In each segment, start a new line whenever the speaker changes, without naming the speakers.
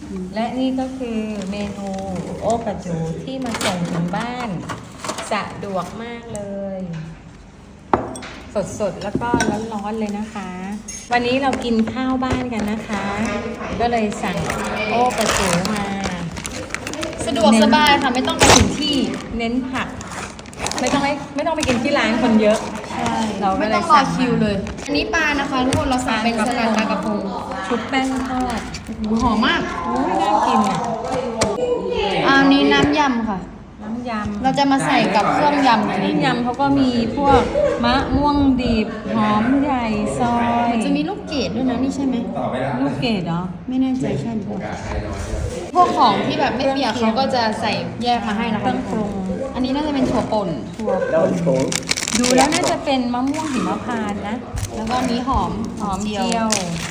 และนี่ก็คือเมนูโอกาจูที่มาส่งถึงบ้านสะดวกมากเลย สดๆแล้วก็ร้อนๆเลยนะคะ วันนี้เรากินข้าวบ้านกันนะคะ ก็เลยสั่งโอกาจูมาสะดวกสบายค่ะไม่ต้องไปถึงที่เน้นผักไม่ต้องไปกินที่ร้านคนเยอะใช่เราก็เลยสั่งคิวเลย
อันนี้ปลานะคะทุกคนเราสั่งเป็นสลัดปลากระพง
ชุบแป้งทอด
หอมมาก
น่ากินอ่ะ
อันนี้น้ำยำค่ะ
น้ำยำ
เราจะมาใส่กับเครื่องยำ
นี้ยำเขาก็มีพวกมะม่วงดิบหอมใหญ่ซอย
จะมีลูกเกดด้วยนะนี่ใช่ไหม
ลูกเกดเหรอ
ไม่แน่ใจใช่พวกของที่แบบไม่เปียกเขาก็จะใส่แยกมาให้นะคะ
เครื่องปรุง
อันนี้น่าจะเป็นถั่วป่น
ดูแล้วน่าจะเป็นมะม่วงหิมพานต์นะ
แล้วก็นี้หอม
เจียว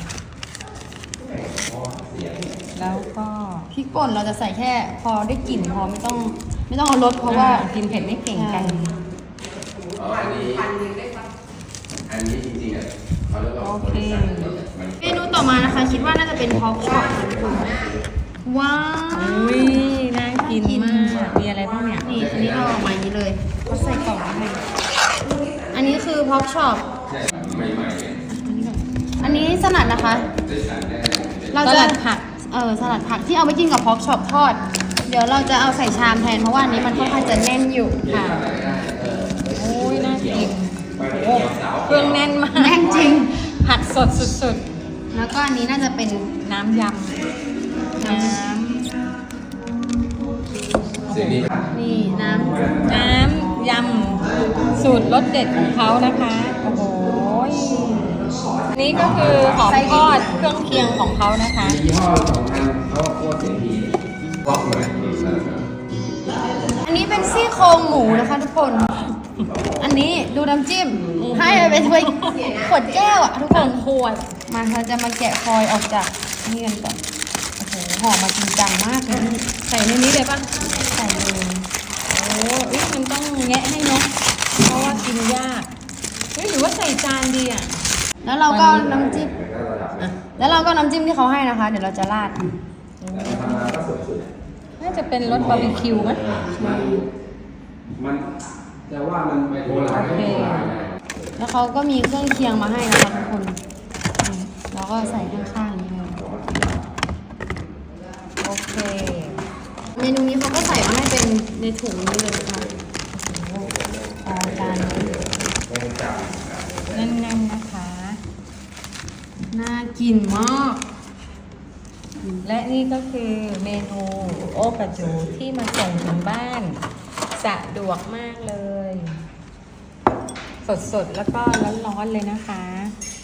แล้วก็
พริกป่นเราจะใส่แค่พอได้กลิ่นพอไม่ต้องเอารสเพราะว่า
กินเผ็ดไม่เก่งกันโอเค
เมนูต่อมานะคะคิดว่าน่าจะเป็นพอกช็อปว้าว
น่ากินมากมีอะไรบ้างเนี่ย
นี่อันนี้เราออกมาอย่างนี้เลยเขาใส่กล่องมาให้อันนี้คือพอกช็อปอันนี้สลัดนะคะ
เราจะสลัดผัก
สลัดผักที่เอาไปกินกับพอกช็อปทอดเดี๋ยวเราจะเอาใส่ชามแทนเพราะว่าอันนี้มันค่อนข้างจะแน่นอยู่ค่ะ
โอ้ยน่ากินโอ้เครื่องแน่นมาก
แน่นจริง
ผักสดสุด
ๆแล้วก็อันนี้น่าจะเป็น
น้ำยำ
นี่น้
ำยำสูตรรสเด็ดของเขานะคะโอ้โหนี่ก็คือหอมทอดเครื่องเคียงของเขานะคะ
อันนี้เป็นซี่โครงหมูนะคะทุกคนอันนี้ดูน้ำจิ้มให้ไปถ้วยขวดแก้วอ่ะทุกคน
ขวด
มาเราจะมาแกะฟอยล์ออกจากนี่กันก่อนโอ้โหหอมมาจริงจังมากเลย
ใส่ในนี้เลยป่ะ
ใส่เลย
โอ้ยมันต้องแงะให้เนาะเพราะว่ากินยากหรือว่าใส่จานดีอ่ะ
แล้วเราก็น้ำจิ้มที่เขาให้นะคะเดี๋ยวเราจะราด
น่าจะเป็นรสบาร์บีคิวไหม
มันแต่ว่ามันไปโบราณ
แล้วเขาก็มีเครื่องเคียงมาให้นะคะทุกคนแล้วก็ใส่ข้างๆนี้เลย
โอเค
เมนูนี้เขาก็ใส่มาให้เป็นในถุงนี้เลยค่ะจาน
แน่นๆนะคะ
น่ากินมาก
และนี่ก็คือเมนูโอกาจูที่มาส่งถึงบ้านสะดวกมากเลยสดๆแล้วก็ร้อนๆเลยนะคะ